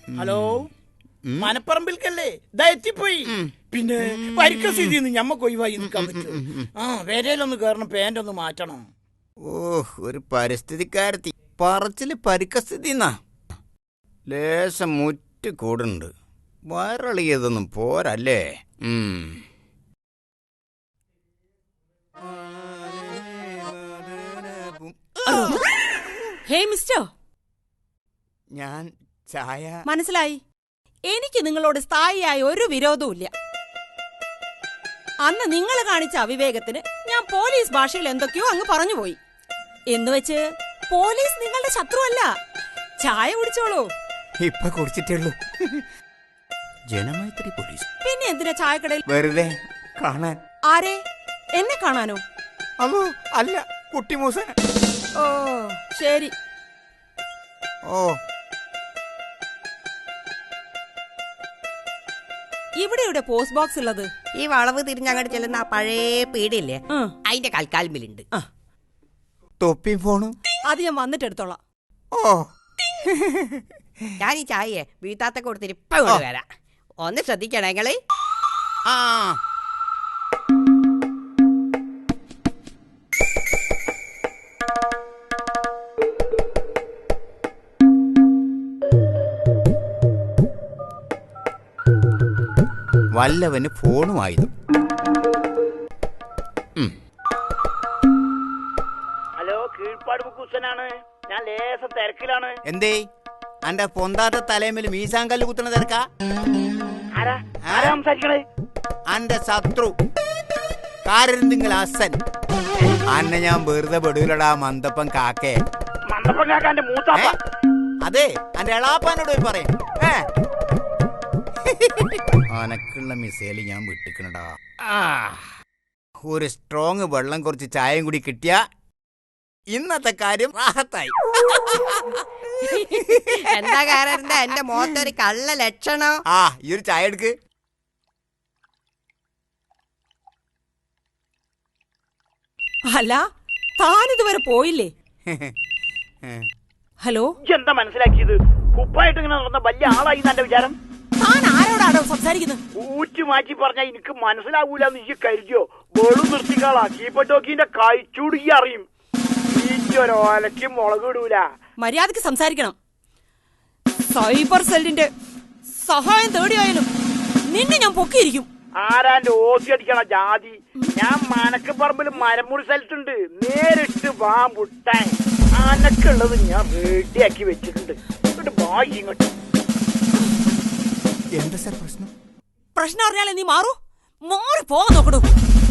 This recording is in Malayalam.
ഹലോ, മനപ്പറമ്പിൽക്കല്ലേ? എത്തിപ്പോയി. പിന്നെ പരിക്ക സ്ഥിതിന്ന് ഞമ്മക്ക് ഒഴിവായി നിൽക്കാൻ പറ്റും. വേരയിലൊന്ന് കയറണം, പാൻ്റ് ഒന്ന് മാറ്റണം. ഒരു പരിസ്ഥിതിക്കാരത്തി പറച്ചില് പരിക്കസ്ഥിതി ലേശം മുറ്റ് കൂടുണ്ട്. വയറിളിയതൊന്നും പോരല്ലേ? ഹേ മിസ്റ്റർ, ഞാൻ ചായ. മനസ്സിലായി. എനിക്ക് നിങ്ങളോട് സ്ഥായിയായ ഒരു വിരോധവുമില്ല. അന്ന് നിങ്ങൾ കാണിച്ച അവിവേകത്തിന് ഞാൻ പോലീസ് ഭാഷയിൽ എന്തൊക്കെയോ അങ്ങ് പറഞ്ഞുപോയി. എന്നുവെച്ച് പോലീസ് നിങ്ങളുടെ ശത്രുവല്ല. ചായ കുടിച്ചോളൂ. ഇപ്പൊ കുടിച്ചിട്ടുള്ളൂ. ജനമൈത്രി പോലീസ്. പിന്നെ എന്തിനാ ചായക്കടയിൽ വെറുതെ കാണാൻ? ആരെ? എന്നെ കാണാനോ? അതോ അല്ല, കുട്ടിമൂസൻ. ഓ ശരി. ഇവിടെ പോസ്റ്റ് ബോക്സ് ഉള്ളത് ഈ വളവ് തിരിഞ്ഞങ്ങോട്ട് ചെല്ലുന്ന ആ പഴയ പീടില്ലേ, അതിന്റെ കൽക്കാൽമിലുണ്ട്. തൊപ്പി ഫോണും അത് ഞാൻ വന്നിട്ട് എടുത്തോളാം. ഞാൻ ഈ ചായയെ വീട്ടാത്ത കൊടുത്തിട്ട് ഇപ്പൊ കൊണ്ട് വരാം. ഒന്ന് ശ്രദ്ധിക്കണേ നിങ്ങള്. വല്ലവന് ഫോണുമായതും. ഹലോ, കീഴ്പ്പാട് മുക്കുസനാണ്. ഞാൻ ലേശം തിരക്കിലാണ്. എന്തേ അന്റെ പൊന്താത്ത തലേമിൽ മീസാങ്കല്ല് കുത്തുന്ന തിരക്കാ? സംസാരിക്കണേ? അന്റെ ശത്രു കാരന്തിങ്ങൾ അസൻ. അന്നെ ഞാൻ വെറുതെ പെടൂലടാ മന്ദപ്പൻ കാക്കേ. മന്ദപ്പൻ കാക്കാന്റെ മൂത്താപ്പ. അതെ, അന്റെ എളാപ്പാനോട് പോയി പറയാം. അനക്കുള്ള മിസൈല് ഞാൻ വിട്ടിക്കണടാ. ഒരു സ്ട്രോങ് വെള്ളം കുറച്ച് ചായയും കൂടി കിട്ടിയ ഇന്നത്തെ കാര്യം റാഹത്തായി. എന്താ കാരണം? എന്റെ മുഖത്തൊരു കള്ള ലക്ഷണോ? ഈ ഒരു ചായ എടുക്ക്. അല്ല, താനിതുവരെ പോയില്ലേ? ഹലോ, എന്താ മനസ്സിലാക്കിയത്? കുപ്പായിട്ട് ഇങ്ങനെ നടന്ന വലിയ ആളായി എന്റെ വിചാരം. താൻ ആരോടാണോ സംസാരിക്കുന്നത്? ഊറ്റി മാറ്റി പറഞ്ഞാ എനിക്ക് മനസ്സിലാവൂലെന്ന് ഈ കരുതിയോ? വെളു നിർത്തിക്കാളാ. കീപ്പട്ടോക്കിന്റെ കഴിച്ചൂടി അറിയും. ഈറ്റൊരോലയ്ക്ക് മുളക് ഇടൂല. മര്യാദക്ക് സംസാരിക്കണം. സൈബർ സെല്ലിന്റെ സഹായം തേടിയായാലും നിന്നെ ഞാൻ പൊക്കിയിരിക്കും. ആരാന്റെ ഓസി അടിക്കണ ജാതി? ഞാൻ മനക്കപ്പറമ്പിൽ മരമുറി സ്ഥലത്തുണ്ട്. നേരിട്ട് വാ മുട്ടാൻ. അനക്കുള്ളത് ഞാൻ റെഡിയാക്കി വെച്ചിട്ടുണ്ട്. ഇങ്ങോട്ട് വായി ഇങ്ങോട്ട്. എന്താ സാർ പ്രശ്നം? പ്രശ്നം അറിഞ്ഞാലേ നീ മാറി പോകാൻ നോക്കണു.